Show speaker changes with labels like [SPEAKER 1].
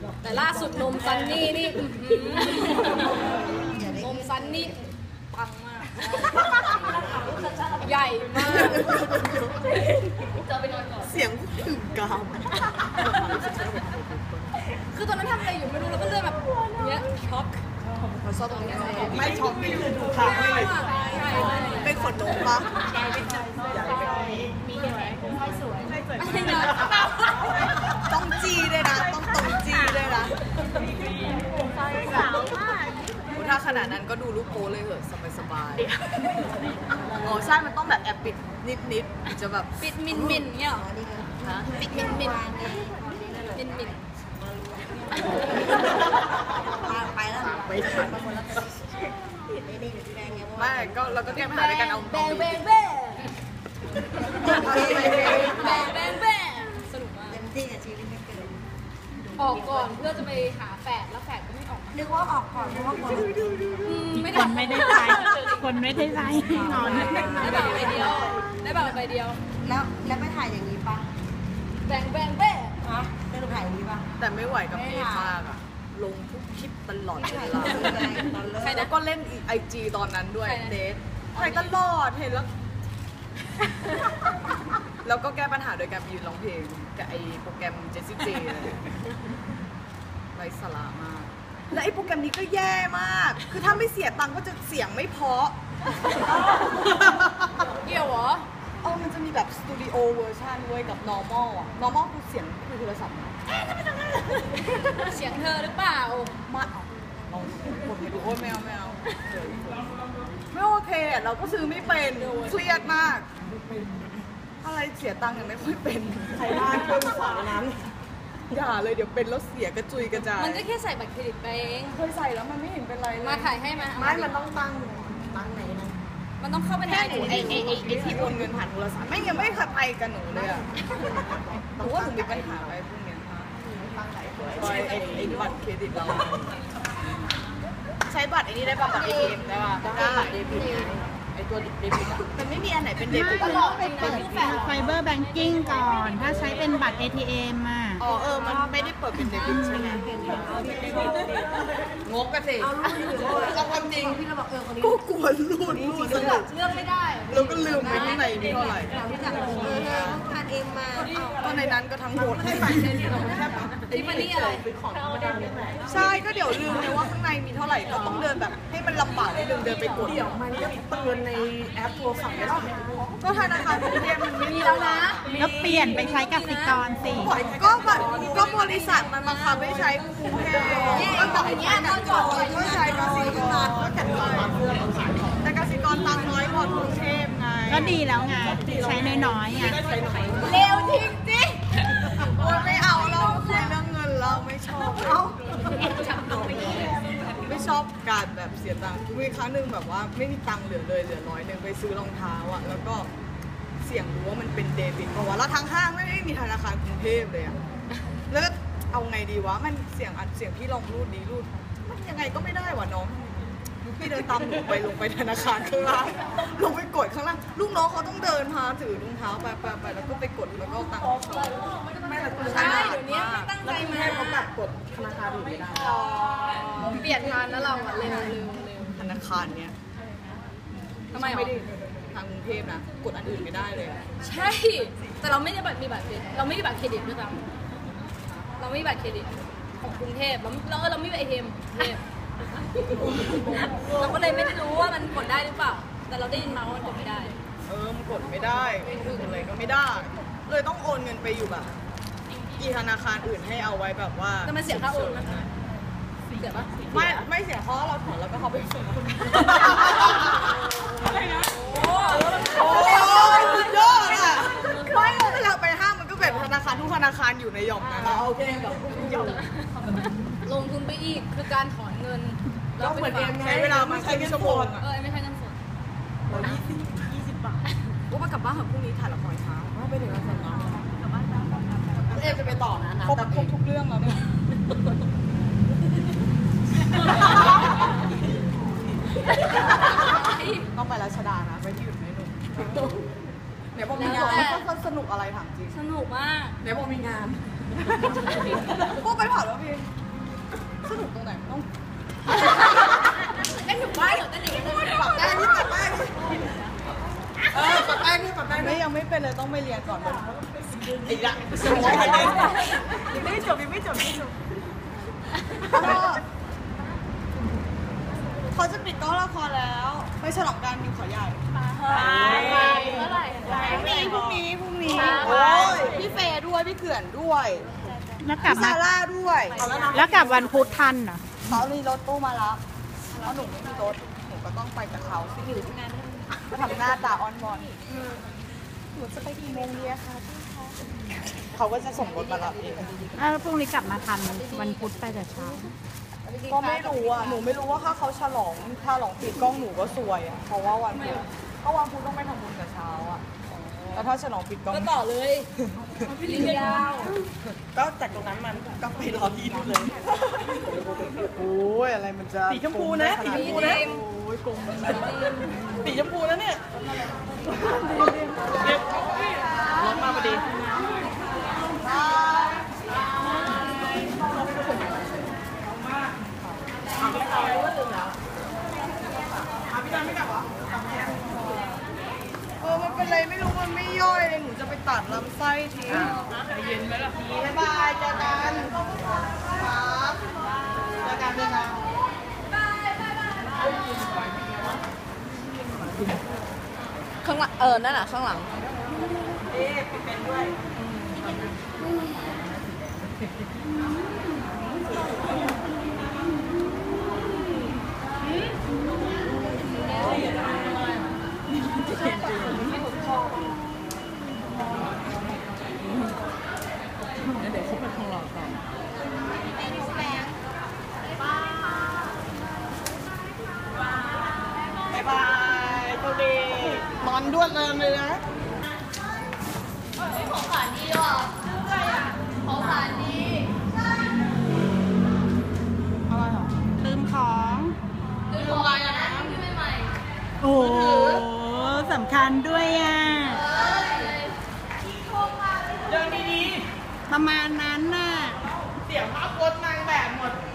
[SPEAKER 1] แต่ล่าสุดนมซันนี่นี่นมซันนี่ปังมากใหญ่มากจะไปนอนก่อน
[SPEAKER 2] เสียงถึงกาม
[SPEAKER 1] คือตอนนั้นทำอะไรอยู่ไม่รู้แล้วก็เลยแบบเนี้ยช็อก
[SPEAKER 2] ชอบตรงนี้ไม่ช็อกนี่คือดูข่าวไม่เป็นขนนมปะ
[SPEAKER 1] มีไหมใช่สวย
[SPEAKER 2] ต้องจีด้วยนะต้องตรงจีด้วยนะสาวมากถ้าขนาดนั้นก็ดูรูปโป้เลยเหอะสบายๆอ๋อใช่มันต้องแบบแอบปิดนิดจะแบบ
[SPEAKER 1] ปิดมินเนี่ยหรอปิดมินไปแล้ว
[SPEAKER 2] ไม่ทันไม่ก็เราก็แก้ปัญหาด้วยการเอา
[SPEAKER 1] แบงสนุกมาก
[SPEAKER 3] เต็มที่กับชีวิตไม่เกิน
[SPEAKER 1] ออกก่อนเพื่อจะไปหาแฝดแล้วแฝดก็ไม่ออก
[SPEAKER 3] นึกว่าออกก่อนเพราะว่าคน
[SPEAKER 1] ไม่ได้ใจ
[SPEAKER 4] คนไม่ได้ใจนอน
[SPEAKER 1] ได้แบบใบเดียว
[SPEAKER 3] แล้วไปถ่ายอย่างนี้ปะ
[SPEAKER 1] แบง
[SPEAKER 3] ฮะได้ถ่ายอย่างนี้ปะ
[SPEAKER 2] แต่ไม่ไหวกับเพจมากอะลงทุกคลิปตลอดเวลา
[SPEAKER 1] ใครนะ
[SPEAKER 2] ก็เล่นไอจีตอนนั้นด้วยเดทใครตลอดเห็นแล้วแล้วก็แก้ปัญหาโดยการยืนร้องเพลงกับไอโปรแกรมเจสซี่เจไร้สาระมากและไอโปรแกรมนี้ก็แย่มากคือถ้าไม่เสียตังค์ก็จะเสียงไม่เพาะ
[SPEAKER 1] เกี่ยวเหรอ
[SPEAKER 2] มันจะมีแบบสตูดิโอเวอร์ชันเว้ยกับ normal อ่ะ normal คือเสียงคือโทรศัพท์
[SPEAKER 1] เสียงเธอหรือเปล่า
[SPEAKER 2] มาเรากดไปดูโอ้ยไม่เอาไม่โอเคเราก็ซื้อไม่เป็นเครียดมากอะไรเสียตังค์ยังไม่ค่อยเป็นใครได้เครื่องสอนนั้นอย่าเลยเดี๋ยวเป็นแล้วเสียกระจุยกระจาย
[SPEAKER 1] มันก็แค่ใส่บัตรเครดิตไปเอง
[SPEAKER 2] เคยใส่แล้วมันไม่เห็นเป็นไรเลย
[SPEAKER 1] มาถ่ายให้มา
[SPEAKER 2] ไม่มันต้องตั้งไหนนะ
[SPEAKER 1] มันต้องเข้าไปใน
[SPEAKER 2] ไอ้ที่โอนเงินผ่านโทรศัพท์ไม่ยังไม่เคยไปกับหนูเลยอ่ะหนูว่าหนูมีปัญหาอะไรพวกนี้ค่ะไอ้บัตรเครดิตเราใช้บัตรไอ้นี่ได้ป่ะบัตร ATM ได้ป่ะได้บัตรเดบิตไอ้ตัวเดบิตมันไม่มีอันไหนเป็นเดบิต
[SPEAKER 4] ตลอดไปเปิดไฟเบอร์แบงกิ้งก่อนถ้าใช้เป็นบัตร ATM อ่ะ
[SPEAKER 2] มันไม่ได้เปิดเป็นเดบิตใช่ไหมงกกันสิเอาความจริง
[SPEAKER 3] พี่เราบอกคนนี้
[SPEAKER 2] ก็กวนรูด
[SPEAKER 1] เลือกไม่ได้
[SPEAKER 2] แล้วก็ลืมไปข้างในมีเท่าไหร่
[SPEAKER 3] ทานเองมา
[SPEAKER 2] ก็ในนั้นก็ทั้งหมดให้บัตรเครดิตเราแค่
[SPEAKER 1] ที่มันนี่อะไร
[SPEAKER 2] ใช่ก็เดี๋ยวลืมเลยว่าข้างในมีเท่าไหร่ก็ต้องเดินแบบให้มันลำบากนิดนึงเดินไปกดเดี๋ยวมันก็เตือนในแอปโทรศัพท์ได้หรอก็ธนาคารกรุงเทพมันไม่มีแล้วนะ
[SPEAKER 4] ก็เปลี่ยนไปใช้กสิกรสิ
[SPEAKER 2] ก็บริษัทมันบังคับให้ใช้กรุงเทพก็บอกอย่างนี้ก็ใช้กสิกรก็แข็งแรงแต่กสิกรตังน้อยกว่ากรุงเทพไง
[SPEAKER 4] ก็ดีแล้วไงใช้น้อยๆไง
[SPEAKER 1] เร็วจริงจริง
[SPEAKER 2] ไม่เอาเราคุยเรื่องเงินเราไม่ชอบไม่ชอบการแบบเสียตังค์มีครั้งหนึ่งแบบว่าไม่มีตังค์เหลือ100ไปซื้อรองเท้าอ่ะแล้วก็เสี่ยงรู้ว่ามันเป็นเดบิตเพราะว่าแล้วทางห้างไม่ได้มีธนาคารกรุงเทพเลยอ่ะแล้วเอาไงดีวะมันเสียงพี่ลองรูดมันยังไงก็ไม่ได้วะน้องพี่เดินตามลงไปธนาคารข้างล่างลงไปกดข้างล่างลูกน้องเขาต้องเดินพาถือรองเท้าไปแล้วก็ไปกดแล้วก็ตังค์
[SPEAKER 1] ใช่เดี๋ยวนี้ไม่ตั้งใจมา
[SPEAKER 2] เขาแบบกดธนาคารอื่นไม่ได้
[SPEAKER 1] เปลี่ยนทานแล้วเราเร็ว
[SPEAKER 2] ธนาคารเนี้ย
[SPEAKER 1] ทำไม
[SPEAKER 2] ไม่ได้ทางกรุงเทพนะกดอันอื่นไม่ได้เลย
[SPEAKER 1] ใช่แต่เราไม่ได้มีบัตรเครดิตเราไม่มีบัตรเครดิตด้วยซ้ำเราไม่มีบัตรเครดิตของกรุงเทพเราไม่มีATMเราก็เลยไม่ได้รู้ว่ามันกดได้หรือเปล่าแต่เราได้ยินมาว่ามันกดไม่ได้
[SPEAKER 2] มันกดไม่ได้อะไรก็ไม่ได้เลยต้องโอนเงินไปอยู่แบบอีธนาคารอื่นให้เอาไว้แบบว่า
[SPEAKER 1] แต่มันเสียค่าโอนไหมเสียปะ
[SPEAKER 2] ไม่เสียเพราะเราถอนแล้วก็เขาไปส่งอะไรนะโอ้ยอดอ่ะไม่เวลาไปห้างมันก็แบบธนาคารทุกธนาคารอยู่ในหย่อมนั้นโอเคแบบหย่อม
[SPEAKER 1] ลงทุนไปอีกคือการถอนเงิน
[SPEAKER 2] แล้วเหมือนเอ็มใช้เวลามาใช้เป็นชั่วโมง
[SPEAKER 1] ไม่ใช่เงินสด
[SPEAKER 2] 20 บาทก็มากลับบ้านของพรุ่งนี้ถ่ายละครเช้าไปถึงแล้วเนาะกลับบ้านเอ็มจะไปต่อนะครบทุกเรื่องแล้วเนี่ยต้องไปรัชดานะไปที่อื่นไม่หนุกเดี๋ยวพอมีงานก็สนุกอะไรถามจริง
[SPEAKER 1] สนุกมาก
[SPEAKER 2] เดี๋ยวพอมีงานพวกไปเผาแล้วพี่
[SPEAKER 1] เต้นอยู่บ้านเหรอเต้นอย่างนี้เลย
[SPEAKER 2] ปรับได้นี่ปรับได้
[SPEAKER 3] ปรับได้นี่ปรับได้
[SPEAKER 2] ไม่ยังไม่เป็นเลยต้องไปเรียนก่อนอีกละไม่จบเขาจะปิดกล้องละครแล้วไปฉลองกันอยู่เขาใหญ่
[SPEAKER 1] ไปเมื่อไหร่
[SPEAKER 2] พรุ่งนี้
[SPEAKER 1] ใช่
[SPEAKER 2] โอ้ยพี่เฟย์ด้วยพี่เขื่อนด้วย
[SPEAKER 4] แล้วกลับ
[SPEAKER 2] พี่
[SPEAKER 4] มา
[SPEAKER 2] ซาร่าด้วย
[SPEAKER 4] แล้วกลับวันพุธทันเหรอ
[SPEAKER 2] เขามีรถตู้มารับแล้วหนูไม่มีรถหนูก็ต้องไปกับเขาสิมาทำหน้าตาออนบอนหนูจะไปกี่โมงดีอะคะเขาก็จะส่งรถมารับเอง
[SPEAKER 4] แล้วพรุ่งนี้กลับมาทันวันพุธไปแต่เช้า
[SPEAKER 2] ก็ไม่รู้อ่ะหนูไม่รู้ว่าถ้าเขาฉลองปิดกล้องหนูก็ซวยอ่ะเพราะว่าวันพุธต้องไปทำบุญแต่เช้าอ่ะแล้วถ้าฉลองปิดกล้อง
[SPEAKER 1] ก็ต่อเลยเรียาว
[SPEAKER 2] ก็จากตรงนั้นมันก็ไปรอที่นู่นเลยโอ้ยอะไรมันจะสีชมพูนะโอ้ยกลมสีชมพูนะเนี่ยรถมาพอดีมันเป็นไรไม่รู้มันไม่ย่อยเลยหนูจะไปตัดลำไส้ทิ้งเย็นไหมล่ะบ๊ายบายเจอกันครับเจอกันข้างหลังนั่นน่ะข้างหลังปิดเป็นด้วยบ๊ายบายโชคดีนอนด้วนเลยนะ
[SPEAKER 1] ของขวัญดีว่ะของขวัญดี
[SPEAKER 2] อะไรหรอ
[SPEAKER 4] ลืมของ
[SPEAKER 1] ดูอะไรอ่ะนะที่ใหม่
[SPEAKER 4] โอ้โหสำคัญด้วยอ่ะ
[SPEAKER 2] เดินดี
[SPEAKER 4] ประมาณนั้นน่ะ
[SPEAKER 2] ๆเสียภาพพจน์นางแบบหมด